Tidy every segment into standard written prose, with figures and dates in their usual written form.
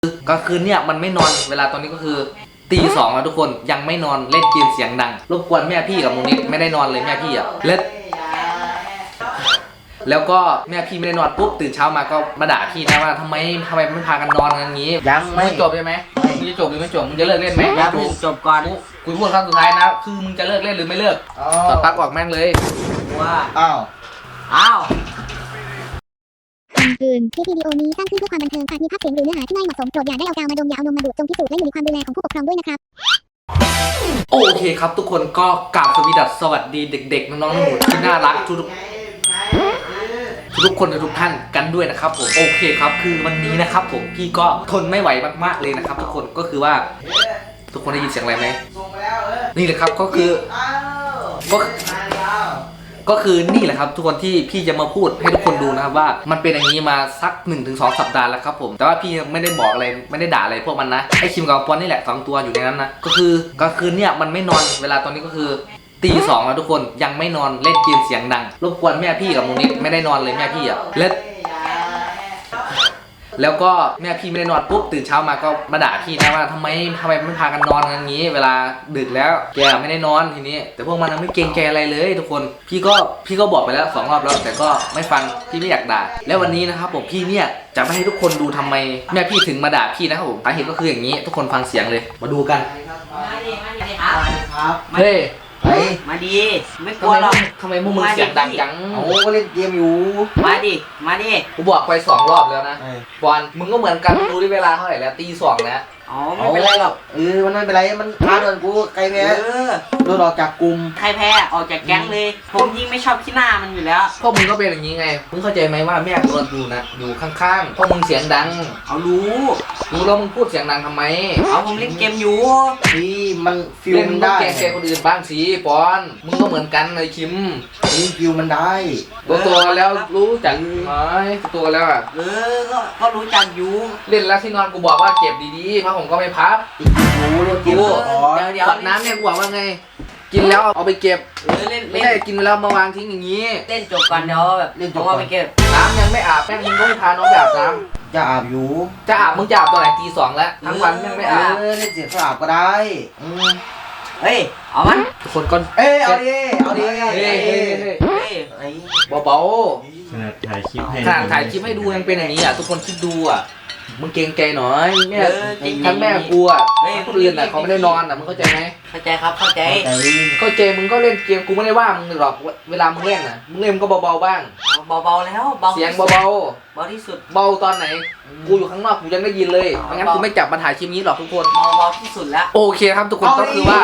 ก็คือเนี่ยมันไม่นอนเวลาตอนนี้ก็คือตี 2แล้วทุกคนยังไม่นอนเล่นเกมเสียงดังรบกวนแม่พี่กับมูนิดไม่ได้นอนเลยแม่พี่อ่ะแล้วก็แม่พี่ไม่ได้นอนปุ๊บตื่นเช้ามาก็มาด่าพี่นะว่าทำไมไม่พากันนอนกันงี้ยังไม่จบใช่ไหมมึงจะจบหรือไม่จบมึงจะเลิกเล่นไหมยังจบก่อนกูพูดครั้งสุดท้ายนะคือมึงจะเลิกเล่นหรือไม่เลิกตัดปลั๊กออกแม่งเลยว่าอ้าวคำเตือนคลิปวิดีโอนี้สร้างขึ้นเพื่อความบันเทิงอาจมีภาพเสียงหรือเนื้อหาที่ไม่เหมาะสมโปรดอย่าได้เอากาวมาดมอย่าเอานมมาดูดจงพิสูจน์และอยู่ในความดูแลของผู้ปกครองด้วยนะครับโอเคครับทุกคนก็กราบสวัสดีเด็กๆน้องๆหนูที่น่ารักทุกคนทุกท่านกันด้วยนะครับผมโอเคครับคือวันนี้นะครับผมพี่ก็ทนไม่ไหวมากๆเลยนะครับทุกคนก็คือว่าทุกคนได้ยินเสียงอะไรไหมนี่แหละครับก็คือนี่แหละครับทุกคนที่พี่จะมาพูดให้ทุกคนดูนะครับว่ามันเป็นอย่างนี้มาสัก 1-2 สัปดาห์แล้วครับผมแต่ว่าพี่ไม่ได้บอกอะไรไม่ได้ด่าอะไรพวกมันนะไอคิมกับปอนนี่แหละ2ตัวอยู่ในนั้นนะก็คือเนี่ยมันไม่นอนเวลาตอนนี้ก็คือตี 2แล้วทุกคนยังไม่นอนเล่นเกมเสียงดังรบกวนแม่พี่กับมูนิดไม่ได้นอนเลยแม่พี่อ่ะแล้วก็แม่พี่ไม่ได้นอนปุ๊บตื่นเช้ามาก็มาด่าพี่นะว่าทำไมไม่พากันนอนกันงี้เวลาดึกแล้วแกไม่ได้นอนทีนี้แต่พวกมันไม่เกรงใจอะไรเลยทุกคนพี่ก็บอกไปแล้ว2 รอบแล้วแต่ก็ไม่ฟังพี่ไม่อยากด่าแล้ววันนี้นะครับผมพี่เนี่ยจะไม่ให้ทุกคนดูทำไมแม่พี่ถึงมาด่าพี่นะครับผมสาเหตุก็คืออย่างนี้ทุกคนฟังเสียงเลยมาดูกันครับเฮ้ยมาดีไม่กลัวหรอกทำไมมึงเสียงดังจังโอ้ก็เล่นเกมอยู่มาดิกูบอกไป2 รอบแล้วนะบอลมึงก็เหมือนกันดูที่เวลาเท่าไหร่แล้วตี 2แล้วอ๋อไม่เป็นไรหรอกมันไม่เป็นไรมันท้าโดนกูใครแพ้โดนออกจากกลุ่มใครแพ้ออกจากแก๊งเลยผมยิ่งไม่ชอบขี้หน้ามันอยู่แล้วพวกมึงก็เป็นอย่างนี้ไงมึงเข้าใจไหมว่าแม่กูดูนะอยู่ข้างๆพวกมึงเสียงดังเอารู้แล้วมึงพูดเสียงดังทำไมเอาผมเล่นเกมอยู่นี่มันฟิลมันได้แกคนอื่นบ้างสิปอนมึงก็เหมือนกันเลยคิมนี่ฟิลมันได้ตัวแล้วรู้จักไหมตัวแล้วอ่ะก็รู้จักอยู่เล่นแล้วที่นอนกูบอกว่าเก็บดีๆเพราะผมก็ไม่พับรู้แล้วกินเดี๋ยวน้ำเนี่ยกูบอกว่าไงกินแล้วเอาไปเก็บไม่ใช่กินแล้วมาวางทิ้งอย่างนี้เล่นจบก่อนเดี๋ยวแบบเล่นจบก่อนไปเก็บน้ำยังไม่อาบแม่งมึงก็ไม่พาน้องไปอาบน้ำจะอาบอยู่จะอาบมึงจะอาบตอนไหนตี 2แล้วทั้งวันยังไม่อาบเล่นเสียงสอาบก็ได้เฮ้ยเอามันทุกคนก็เอาดิเบาขนาดถ่ายคลิปให้ดูยังเป็นอย่างนี้อ่ะทุกคนคิดดูอ่ะมึงเกรงใจหน่อยแม่ทั้งแม่กูอ่ะคนอื่นอ่ะเขาไม่ได้นอนอ่ะมึงเข้าใจไหมเข้าใจครับเข้าใจมึงก็เล่นเกมกูไม่ได้ว่ามึงหรอกเวลามึงเล่นอ่ะมึงเล่นก็เบาๆบ้างเบาแล้วเสียงเบาที่สุดเบาตอนไหนกูอยู่ข้างนอกกูยังได้ยินเลยไม่งั้นกูไม่จับมาถ่ายคลิปนี้หรอกทุกคนเบาที่สุดแล้วโอเคครับทุกคนก็คือว่า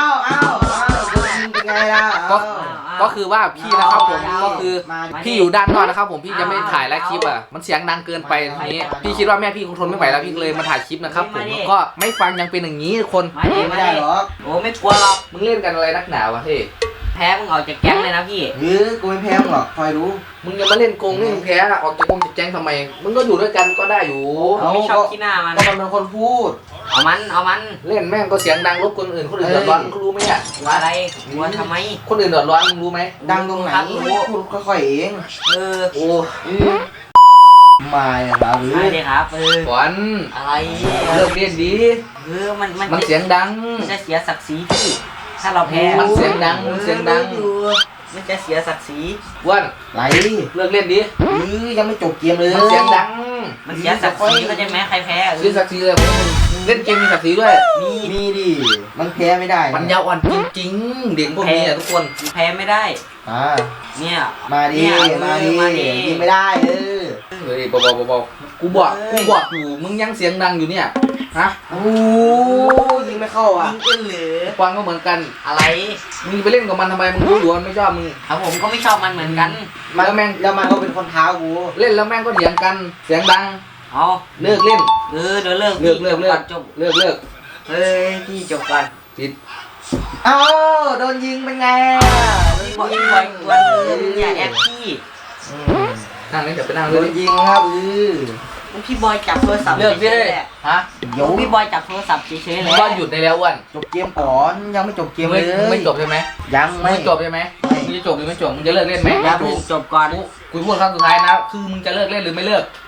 เป็นไงล่ะก็คือว่าพี่นะครับผมก็คือพี่อยู่ด้านนอกนะครับผมพี่จะไม่ถ่ายแล้วคลิปอ่ะมันเสียงดังเกินไปทีนี้พี่คิดว่าแม่พี่คงทนไม่ไหวแล้วพี่เลยมาถ่ายคลิปนะครับผมก็ไม่ฟังยังเป็นอย่างนี้คนไม่ได้หรอกโอ้ไม่กลัวหรอกมึงเล่นกันอะไรนักหนาวะเฮ้แพ้มึงออกจากแก๊งเลยนะพี่กูไม่แพ้มึงหรอกคอยรู้มึงจะมาเล่นโกงเล่นแพ้ออกจากแก๊งทำไมมึงก็อยู่ด้วยกันก็ได้อยู่ไม่ชอบขี้หน้ามันก็มันเป็นคนพูดเอามันเล่นแม่งก็เสียงดังรบคนอื่นเดือดร้อนมึงรู้ไหมอ่ะอะไรว่าทำไมคนอื่นเดือดร้อนมึงรู้ไหมดังตรงไหนพูดค่อยๆเองโอ้มาครับไม่ได้ครับฝนอะไรเลิกเล่นดีมันเสียงดังมันจะเสียศักดิ์ศรีพี่ถ้าเราแพ้มันเสียงดังมันจะเสียศักดิ์ศรีวันไหลเลิกเล่นดิยังไม่จบเกมเลยมันเสียงดังมันเสียศักดิ์ศรีเข้าใจไหมใครแพ้เสียศักดิ์ศรีเลยเล่นเกมมีศักดิ์ศรีด้วยมีดิมันแพ้ไม่ได้มันยาวอ่อนจริงๆเด็กพวกนี้ทุกคนแพ้ไม่ได้เนี่ยมาดิยิงไม่ได้เฮ้ยเบากูบอกอยู่มึงยังเสียงดังอยู่เนี่ยฮะโอ้ยิงไม่เข้าอ่ะยิงเหลือฟังก็เหมือนกันอะไรมึงไปเล่นกับมันทำไมมึงรู้อยู่ว่าไม่ชอบมึงครับผมก็ไม่ชอบมันเหมือนกันแล้วแม่งมันก็เป็นคนท้ากูเล่นแล้วแม่งก็เถียงกันเสียงดังเลิกเล่นเดี๋ยวเลิกจบเลิกเฮ้ยพี่จบกันปิดโดนยิงเป็นไงบอกยิงบ่อยกว่าอย่าแอบพี่นั่งนี่เดี๋ยวไปนั่งโดนยิงครับพี่บอยจับโทรศัพท์เลิกพี่ฮะเดี๋ยวพี่บอยจับโทรศัพท์เฉยๆเลยก็หยุดได้แล้วอ้วนจบเกมก่อนยังไม่จบเกมเลยไม่จบใช่ไหมยังไม่จบใช่ไหมมึงจะจบหรือไม่จบมึงจะเลิกเล่นไหมจบก่อนกูพูดครั้งสุดท้ายนะคือมึงจะเลิกเล่นหรือไม่เลิก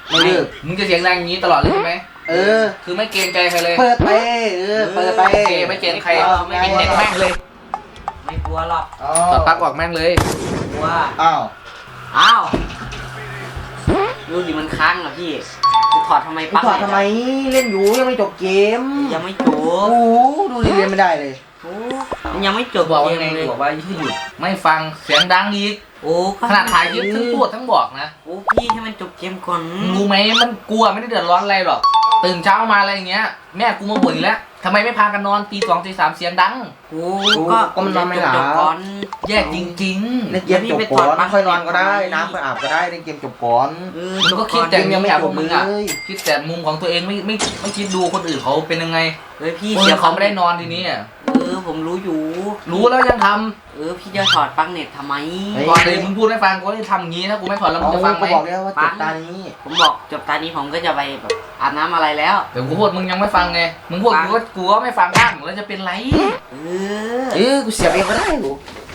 ไม่เลิกมึงจะเสียงดังอย่างนี้ตลอดเลยใช่ไหมเออคือไม่เกรงใจใครเลยเปิดไปเปิดไปโอเคไม่เกรงใครไม่กินเน็ตแม่งเลยไม่กลัวหรอกถอดปลั๊กออกแม่งเลยกลัวอ้าวอ้าวดูดิมันค้างเหรอพี่จะถอดทำไมมึงปลั๊กถอดทำไมเล่นอยู่ยังไม่จบเกมยังไม่จโอ้บโหดูดิเรียนไม่ได้เลยโอ้มันยังไม่จบบอกเกว่าม ไงเลยบอกว่าให้หยุดไม่ฟังเสียงดังอีกโอ้ก็ขนาดถ่ายคลิปทั้งพูดทั้งบอกนะโอ้พี่ให้มันจบเกมก่อนมึงรู้ไหมมันกลัวไม่ได้เดือดร้อนอะไรหรอกตื่นเช้ามาอะไรอย่างเงี้ยแม่กูมาบ่นอีกแล้วทำไมไม่พากันนอนตี 2 ตี 3เสียงดังโอ้ก็มันนอนไม่หลับจบก่อนแย่จริงเล่นเกมจบก่อนค่อยนอนก็ได้น้ำค่อยอาบก็ได้เล่นเกมจบก่อนๆมึงก็คิดแต่ยังไม่อยากจพบวกมึงอ่ะเลยคิดแต่มุมของตัวเองไม่คิดดูคนอื่นเขาเป็นยังไงเฮ้ยพี่เสียเขาไม่ได้นอนทีนี้อะผมรู้อยู่รู้แล้วยังทพี่จะถอดปลั๊กเน็ตทำไมำก่อนเลยมึงพูดให้ฟังกูจะทำอย่างงี้ถ้ากูไม่ถอดแล้วมึงจะฟังไหมก็บอกแล้วว่าจบตานี้ผมบอกจบตอนนี้ผมก็จะไปแบบอาบน้ำอะไรแล้วเดี๋ยวกูพูดมึงยังไม่ฟังไงมึงพูดกูก็ไม่ฟังบ้างแล้วจะเป็นไรกูเสียบเองก็ได้กู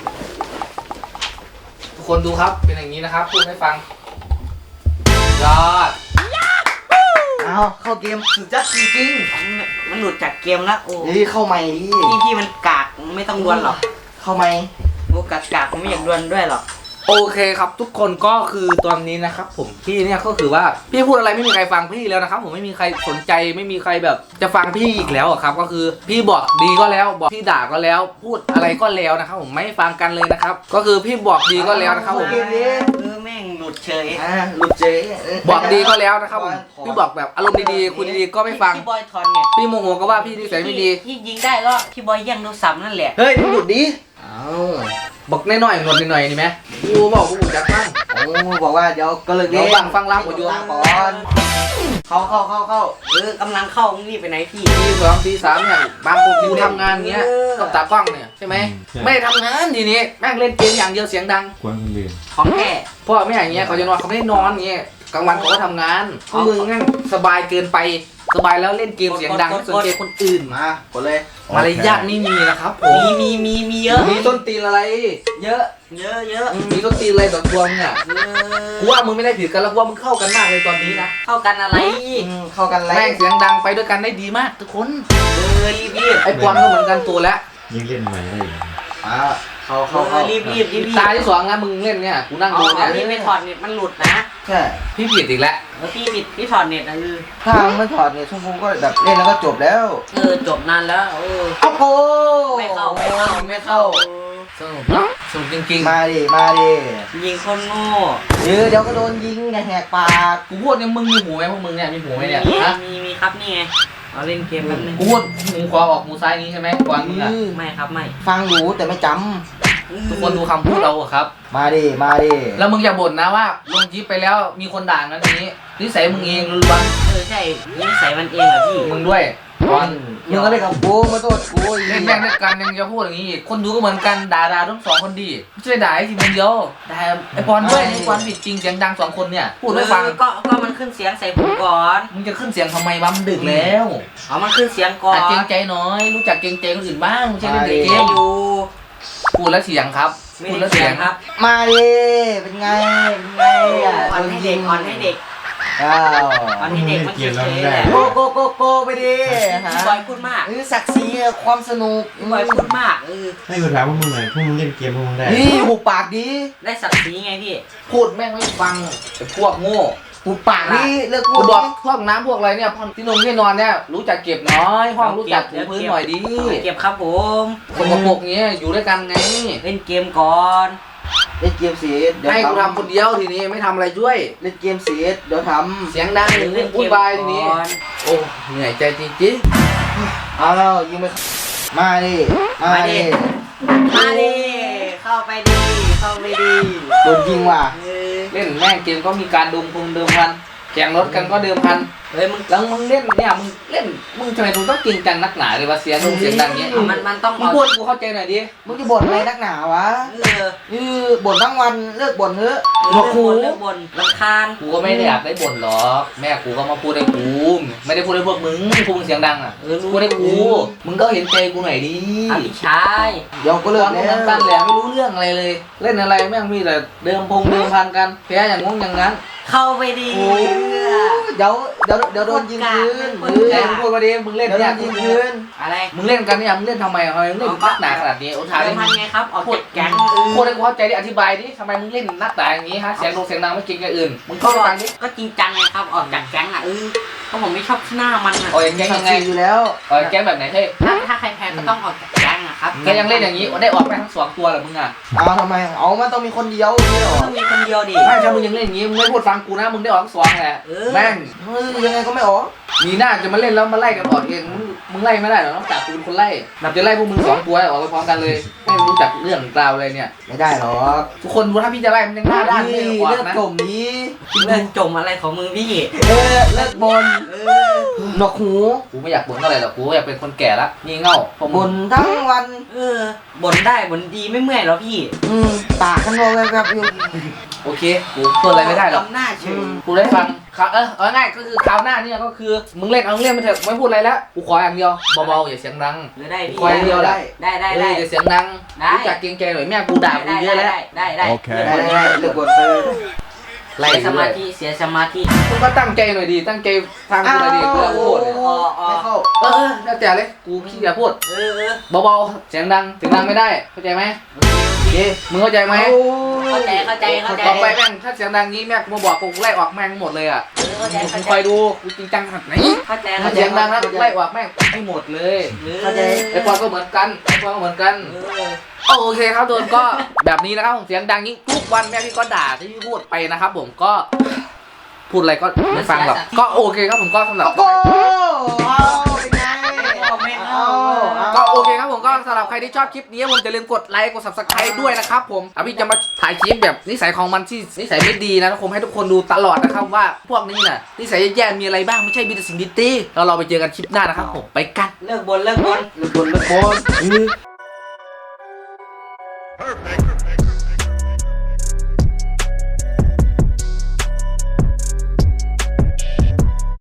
ทุกคนดูครับเป็นอย่างนี้นะครับพูดให้ฟังยอดเอาเข้าเกมสุดจัดจริงมันหลุดจากเกมแล้วโอ้ๆนี่เข้าใหม่ดิพี่มันกากไม่ต้องดวลหรอกเข้าใหม่โอ้กากผมไม่อยากดวลด้วยหรอกโอเคครับทุกคนก็คือตอนนี้นะครับผมพี่เนี่ยก็คือว่าพี่พูดอะไรไม่มีใครฟังพี่แล้วนะครับผมไม่มีใครสนใจไม่มีใครแบบจะฟังพี่อีกแล้วอะครับก็คือพี่บอกดีก็แล้วบอกพี่ด่าก็แล้ว พูดอะไรก็แล้วนะครับผมไม่ฟังกันเลยนะครับก็คือพี่บอกดีก็แล้วนะครับผมแม่งหลุดเฉยหลุดเจ๊บอกดีก็แล้วนะครับผมพี่บอกแบบอารมณ์ดีๆคุยดีๆก็ไม่ฟังพี่บอยถอนเนี่ยพี่โมโหก็ว่าพี่นิสัยไม่ดีที่ยิงได้ก็พี่บอยแย่งโทรศัพท์นั่นแหละเฮ้ยมึงหลุดดิอ้าวบอกน้อยๆหนวดหน่อยๆนี่ไหมกูบอกกูจักบ้างโอ้บอกว่าเดี๋ยวก็เลิกเดี๋ยวฟังรำกดอยู่ก่อนเข้ากำลังเข้ามึงรีบไปไหนพี่ตี 2 ตี 3เนี่ยบางคนกูทำงานเงี้ยกับตากล้องเนี่ยใช่ไหมไม่ได้ทำงานทีนี้แม่งเล่นเกมอย่างเดียวเสียงดังกวนคนอื่นของแท้พ่อแม่อย่างเงี้ยเขาจะนอนเขาไม่ได้นอนเงี้ยกลางวันเขาก็ทำงานพวกมึงงั้นสบายเกินไปสบายแล้วเล่นเกมเสียงดังไม่สนใจคนอื่นมากดเลยมารยาทไม่มีนะครับผมมีเยอะมีต้นตีนอะไรเยอะมีต้นตีนอะไรต่อตัวมึงอ่ะกูว่ามึงไม่ได้ผิดกันแล้วกูว่ามึงเข้ากันมากเลยตอนนี้นะเข้ากันอะไรเข้ากันแล้วแม่งเสียงดังไปด้วยกันได้ดีมากทุกคนรีบไอ้ปอนก็เหมือนกันตัวแล้วยังเล่นใหม่ได้อยู่เข้ารีบตาที่สองนะมึงเล่นเนี่ยกูนั่งเอาดูเนี่ยรีบไม่ถอดเน็ตมันหลุดนะใช่พี่ผิดอีกแล้วพี่ปิดพี่ถอดเน็ตนะถ้าไม่ถอดเนี่ยชั่วโมงก็แบบเล่นแล้วก็จบแล้วจบนานแล้วเอาโกไม่เข้าสนุกเนาะสนุกจริงมาดิยิงคนโง่เดี๋ยวก็โดนยิงอย่าแหกปากๆกูพูดเนี่ยมึงมีหูไหมพวกมึงเนี่ยมีหูไหมเนี่ยฮะมีครับนี่ไงเอาเล่นเกมแป๊บนึงกูพูดหูขวาออกหูซ้ายนี้ใช่ไหมก่อนมึงอ่ะไม่ครับไม่ฟังอยู่แต่ไม่จทุกคนดูคำพูดเราอะครับำมาดิแล้วมึงอย่าบ่นนะว่าลงคลิปไปแล้วมีคนด่างั้นนี้นิสัยมึงเองล้วนใช่นิสัยมันเองเหรอพี่ๆมึงด้วยก่อนมึงก็เล่นกับกูมาโทษกูเล่นแม่งด้วยกันยังจะพูดอย่างนี้อีกคนดูก็เหมือนกันด่าทั้งสองคนดีไม่ใช่ด่าไอ้ทีคนเดียวด่าไอ้ปอนด้วยไอ้ปอนผิดจริงเสียงดังสองคนเนี่ยพูดไม่ฟังก็มันขึ้นเสียงใส่ผมก่อนมึงจะขึ้นเสียงทำไมวะมันดึกแล้วเอามันขึ้นเสียงก่อนหัดเกรงใจน้อย รู้จักเกรงใจคนอื่นบ้างไม่ใช่เล่นแต่เกมอยู่พูดแล้วเสียงครับไม่พูดได้แล้วเสีเสียยงงครับมาดิเป็นไงอ่ะอ่อนให้เด็กอ่อนให้เด็กอ้าวอ่อนให้เด็กมันเฉยๆแหละโกไปดิพี่บอยพูดมากศักดิ์ศรีความสนุกพี่บอยพูดมากให้กูถามพวกมึงหน่อยพวกมึงเล่นเกมพวกมึงได้นี่หุบปากดีได้ศักดิ์ศรีไงพี่พูดแม่งไม่ฟังไอ้พวกโง่หุบปากดีเลิกพูกูดบอกพวกน้ำพวกอะไรเนี่ยที่นงที่นอนเนี่ยรู้จักเก็บน้อยห้องรู้จักถูพื้นหน่อยดิเก็บครับผมสกปรกเงี้ยอยู่ด้วยกันไงเล่นเกมก่อนเล่นเกมเสียเดี๋ยวให้กูทำคนเดียวทีนี้ไม่ทำอะไรช่วยเล่นเกมเสียเดี๋ยวทเสียงดังเล่นวุ่นวายทีนี้ โอ้เหนื่อยใจจริงำเอาแล้วยิงไปมาดิมาดิมาดิเข้าไปดิเข้าไปดิโดนยิงว่ะๆเล่นแม่งเกมก็มีการเดิมพันแข่งรถกันก็เดิมพันเฮ้ยมึงแล้วมึงเล่นเนี่ยมึงเล่นมึงทำไมมึงต้องจริงจังนักหนาเลยว่าเสียงดังเงี้ยมันต้องมึงพูดกูเข้าใจหน่อยดิมึงจะบ่นอะไรนักหนาวะบ่นทั้งวันเลิกบ่นเถอะเลิกบ่นเลิกบ่นรำคาญกูก็ไม่ได้อยากได้บ่นหรอกแม่กูก็มาพูดให้กูไม่ได้พูดให้พวกมึงพวกมึงเสียงดังอ่ะพูดให้กูมึงก็เห็นใจกูหน่อยดิพี่ชายเดี๋ยวก็เลิตกอนแล้นั้นวตั้นแหละไม่รู้เรื่องอะไรเลย เล่นอะไรแม่งมีแต่เดิมพันกันแพ้อย่างงงอย่างนั้นเข้าไปดิเดี๋ยวโดนยิงคืนแต่มึงพูดมาดิมึงเล่นเดี๋ยวโดเนี่ยนยิงคืนอะไรมึงเล่นกันเนี่ยมึงเล่นทำไมมึงเล่นนักหนาขนาดนี้โอ้ถามเดิดิมพันไงครับออกจากแก๊งพูดให้กูเข้าใจดิอธิบายดิทำไมมึงเล่นนักหนาอย่างนี้ฮะเสียงดังไม่เก่งอย่างอื่นมึงก็เข้าไปฟังดิก็จริงจังไงครับออกจากแก๊งอ่ะก็ผมไม่ชอบหน้ามันอ่ะโอ้ยแก๊งยังไงอยู่แล้วแก๊งแบบไหนเฮ้ยถ้าใครแพ้ก็ต้องออกจากแก๊งอะครับแกยังเล่นอย่างนี้ได้ออกไปทั้ง2ตัวเหรอมึงอ่ะเอาทำไมเอามันต้องมีคนเดียวนี่หรอต้องมีคนเดียวดิไม่ถ้ามึงยังเล่นอย่างนี้มึงไม่พูดฟังกูนะมึงได้ออกทั้ง2แหละแม่งเฮ้ยยังไงก็ไม่ออกมีหน้าจะมาเล่นแล้วมาไล่กันออกเองมึงไล่ไม่ได้หรอกนอกจากกูเป็นคนไล่นับจะไล่พวกมึง2ตัวออกไปพร้อมกันเลยไม่รู้จักเรื่องราวเลยเนี่ยไม่ได้หรอกทุกคนดูถ้าพี่จะไล่มันยังหน้าด้านไม่ออกเลือดนะกลมนี้เลิกจมอะไรของมึงพี่เลือดบนหนวกหูกูไม่อยากบ่นเท่าไหร่หรอกกูอยากเป็นคนแก่ละงี่เง่าพวกบมึงนทั้งวันบ่นได้บ่นดีไม่เมื่อยหรอพี่ปากกันโดนแบบอยู่โอเคกูพูดอะไรไม่ได้หรอกทำหน้าเฉยกูได้ฟังครับเอาง่ายก็คือคราวหน้าเนี่ยก็คือมึงเล่นเอาเล่นไปเถอะไม่พูดอะไรแล้วกูขออย่างเดียวเบาๆอย่าเสียงดังได้พี่คอยเดียวแหละได้อย่าเสียงดังรู้จักเกรงใจหน่อยแม่กูด่ากูเยอะแล้วได้ได้เลือดบนเลยไล่เสียสเลมาย ธิเสียสมาธิมึงก็ตั้งใจหน่อยดีตั้งใจฟังกูหน่อยดีกูจะพูดเนี่ยไม่เข้าแล้วแต่เลยกูขี้เกียจพูดเออเบาๆเสียงดังไม่ได้เข้าใจไหมมึงเข้าใจไหมเข้าใจต่อไปแม่งถ้าเสียงดังงี้แม่งมาบอกกูไล่ออกแม่งหมดเลยอ่ะเข้าใจมึงคอยดูกูจริงจังขนาดไหนเข้าใจถ้าเสียงดังแล้วไล่ออกแม่งให้หมดเลยเข้าใจไอ้ปอนก็เหมือนกันไอ้ปอนก็เหมือนกันโอเคครับทุกคนก็แบบนี้นะครับผมเสียงดังยิ่งทุกวันแม่พี่ก็ด่าที่พี่พูดไปนะครับผมก็พูดอะไรก็ไม่ฟังหรอกก็โอเคครับผมก็สำหรับโอ้เอาเป็นไงก็โอเคครับผมก็สำหรับใครที่ชอบคลิปนี้ผมจะลืมกดไลค์กด subscribe ด้วยนะครับผมพี่จะมาถ่ายคลิปแบบนิสัยของมันที่นิสัยไม่ดีนะผมให้ทุกคนดูตลอดนะครับว่าพวกนี้น่ะนิสัยแย่ๆมีอะไรบ้างไม่ใช่มีแต่สิ่งดีๆแล้วเราไปเจอกันคลิปหน้านะครับผมไปกันเลิกบ่นเลือดบน Perfect.